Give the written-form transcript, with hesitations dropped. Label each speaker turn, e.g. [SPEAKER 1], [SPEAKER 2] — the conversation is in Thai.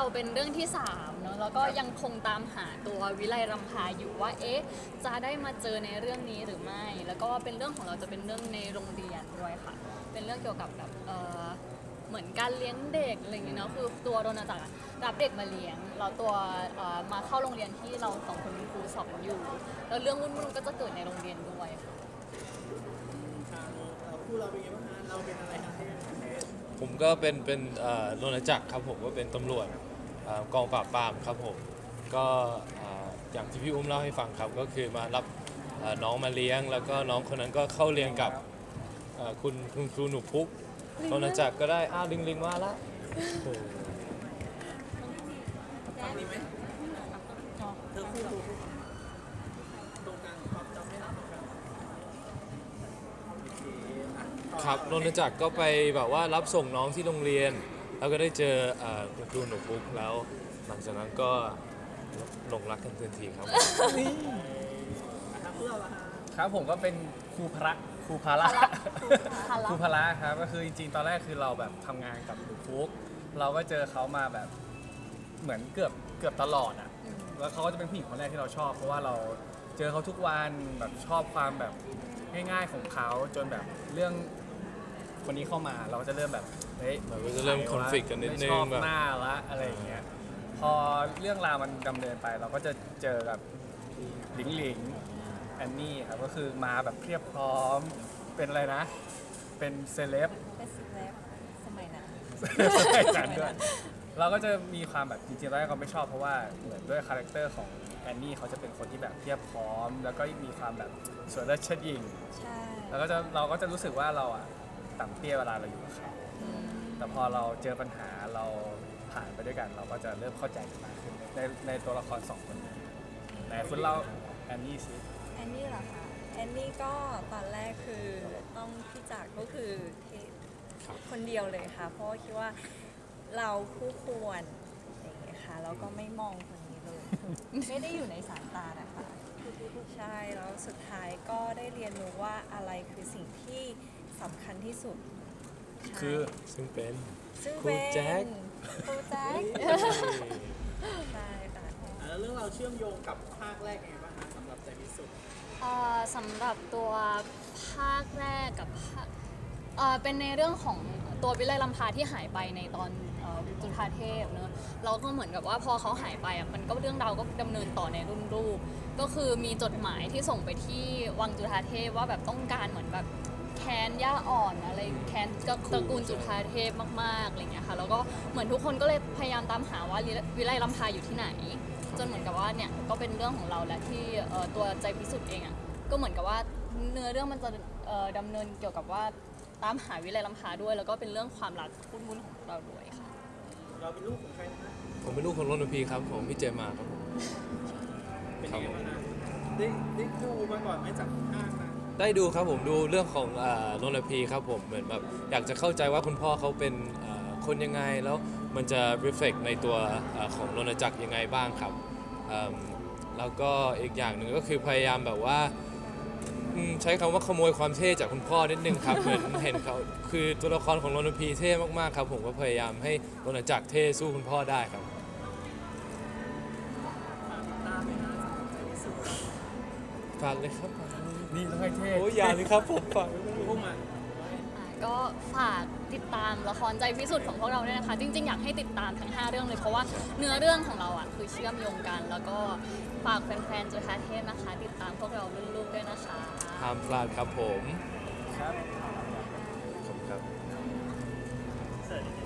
[SPEAKER 1] เราเป็นเรื่องที่3เนอะแล้วก็ยังคงตามหาตัววิไลรำพาอยู่ว่าจะได้มาเจอในเรื่องนี้หรือไม่ แล้วก็เป็นเรื่องของเราจะเป็นเรื่องในโรงเรียนด้วยค่ะเป็นเรื่องเกี่ยวกับแบบเหมือนการเลี้ยงเด็กอะไรอย่างเงี้ยเนาะคือตัวโรนาจักรรับเด็กมาเลี้ยงแล้วตัวมาเข้าโรงเรียนที่เรา2 คนเป็นครูสอนอยู่แล้วเรื่องวุ่นๆก็จะเกิดในโรงเรียนด้วย
[SPEAKER 2] คู่เราเป็นไงบ้างฮะเราเป็นอะไรครับ
[SPEAKER 3] ผมก็เป็นโรณจักรครับผมก็เป็นตำรวจกองปราบปรามครับผมก็อย่างที่พี่อุ้มเล่าให้ฟังครับก็คือมารับน้องมาเลี้ยงแล้วก็น้องคนนั้นก็เข้าเรียนกับคุณครูหนูพุกโรณจักรก็ได้ลิงมาละ
[SPEAKER 2] ฝั่งนี้ไหมเธอคู่ตรงกลางความจำไม่ได้
[SPEAKER 3] ครับโรณจักรก็ไปแบบว่ารับส่งน้องที่โรงเรียนแล้วก็ได้เจอคุณครูหนูพุกแล้วหลังจากนั้นก็หลงรักกันทันทีครับ
[SPEAKER 4] ครับผมก็เป็นครูพระครูพละครูพละครับก็คือจริงๆตอนแรกคือเราแบบทำงานกับหนูพุกเราก็เจอเขามาแบบเหมือนเกือบตลอดอ่ะแล้วเขาก็จะเป็นผู้หญิงคนแรกที่เราชอบเพราะว่าเราเจอเขาทุกวันแบบชอบความแบบง่ายๆของเขาจนแบบเรื่องคนนี้เข้ามาเราก็จะเริ่มแบบเฮ้ย
[SPEAKER 3] เราก็จะเริ่มคอนฟ lict กันนิดนึง
[SPEAKER 4] ไม่ชอบหน้าละอะไรอย่างเงี้ยพอเรื่องราวมันดำเนินไปเราก็จะเจอกับหลิงแอนนี่ครับก็คือมาแบบเพียบพร้อมเป็นอะไรนะเป็นเซเลบ
[SPEAKER 5] เป็นเซเลบสมัยนั้น
[SPEAKER 4] ด้วยเราก็จะมีความแบบจริงๆตอนแรกเราไม่ชอบเพราะว่าเหมือนด้วยคาแรคเตอร์ของแอนนี่เขาจะเป็นคนที่แบบเพียบพร้อมแล้วก็มีความแบบสวยและเชิดหยิ่ง
[SPEAKER 5] ใช่
[SPEAKER 4] แล้วก็เราก็จะรู้สึกว่าเราอะต่ำเตี้ยเวลาเราอยู่กับเขาแต่พอเราเจอปัญหาเราผ่านไปด้วยกันเราก็จะเริ่มเข้าใจกันมากขึ้นในตัวละคร2 คนนี้ไหนคุณเล่าแอนนี่สิ
[SPEAKER 5] แอนนี่เหรอคะแอนนี่ก็ตอนแรกคือต้องพี่จักรก็คือคนเดียวเลยค่ะเพราะคิดว่าเราคู่ควรอย่างเงี้ยค่ะแล้วก็ไม่มองคนนี้เลยไม่ได้อยู่ในสายตานะคะใช่แล้วสุดท้ายก็ได้เรียนรู้ว่าอะไรคือสิ่งที่สำคัญที่สุด
[SPEAKER 4] คือ
[SPEAKER 3] ซึ่งเป็น
[SPEAKER 5] ครูแจ็คใช่ค่ะ
[SPEAKER 2] แล้วเรื่องเราเชื่อมโยงกับภาคแรกไงบ้างคะสำหรับใจพิสุทธิ์
[SPEAKER 1] สำหรับตัวภาคแรกกับภาคเป็นในเรื่องของตัววิไลรำพาที่หายไปในตอนจุฑาเทพเนอะเราก็เหมือนกับว่าพอเขาหายไปมันก็เรื่องราวก็ดำเนินต่อในรุ่นลูกก็คือมีจดหมายที่ส่งไปที่วังจุฑาเทพว่าแบบต้องการเหมือนแบบแค้นย่าอ่อนอะไรแค้นตระกูลจุฑาเทพมากๆอะไรเงี้ยค่ะแล้วก็เหมือนทุกคนก็เลยพยายามตามหาว่าวิไลรำพาอยู่ที่ไหนจนเหมือนกับว่าเนี่ยก็เป็นเรื่องของเราและที่ตัวใจพิสุทธิ์เองก็เหมือนกับว่าเนื้อเรื่องมันจะดำเนินเกี่ยวกับว่าตามหาวิไลรำพาด้วยแล้วก็เป็นเรื่องความรักวุ่นๆของเราด้วยค่ะ
[SPEAKER 2] เราเป็นลูกของใครนะ
[SPEAKER 3] ผมเป็นลูกของโรณพีครับผมพี่เจมาครับผม
[SPEAKER 2] เป็นยังไงบ้างนะได้ดูมาก่อนไหมจากภาคนะ
[SPEAKER 3] ได้ดูครับผมดูเรื่องของโรณพีครับผมเหมือนแบบอยากจะเข้าใจว่าคุณพ่อเขาเป็นคนยังไงแล้วมันจะ reflect ในตัวของโรณจักรยังไงบ้างครับแล้วก็อีกอย่างหนึ่งก็คือพยายามแบบว่าใช้คำว่าขโมยความเท่จากคุณพ่อนิดนึงครับ เหมือนเห็นเขาคือตัวละครของโรณพีเท่มากๆครับผมก็พยายามให้โรณจักรเท่สู้คุณพ่อได้ครับฝากเลยครับ
[SPEAKER 4] นี่ต้องให้เท่
[SPEAKER 3] โอ้ยอย่าเลยครับผมฝาก
[SPEAKER 2] พุ่งมา
[SPEAKER 1] ก็ฝากติดตามละครใจพิสุทธิ์ของพวกเราด้วยนะคะจริงๆอยากให้ติดตามทั้ง5 เรื่องเลยเพราะว่าเนื้อเรื่องของเราคือเชื่อมโยงกันแล้วก็ฝากแฟนๆจุฑาเทพนะคะติดตามพวกเรารุ่นลูกด้วยนะคะ
[SPEAKER 3] ห้ามพลาดครับผม
[SPEAKER 4] ครับ
[SPEAKER 3] ขอบคุณครับ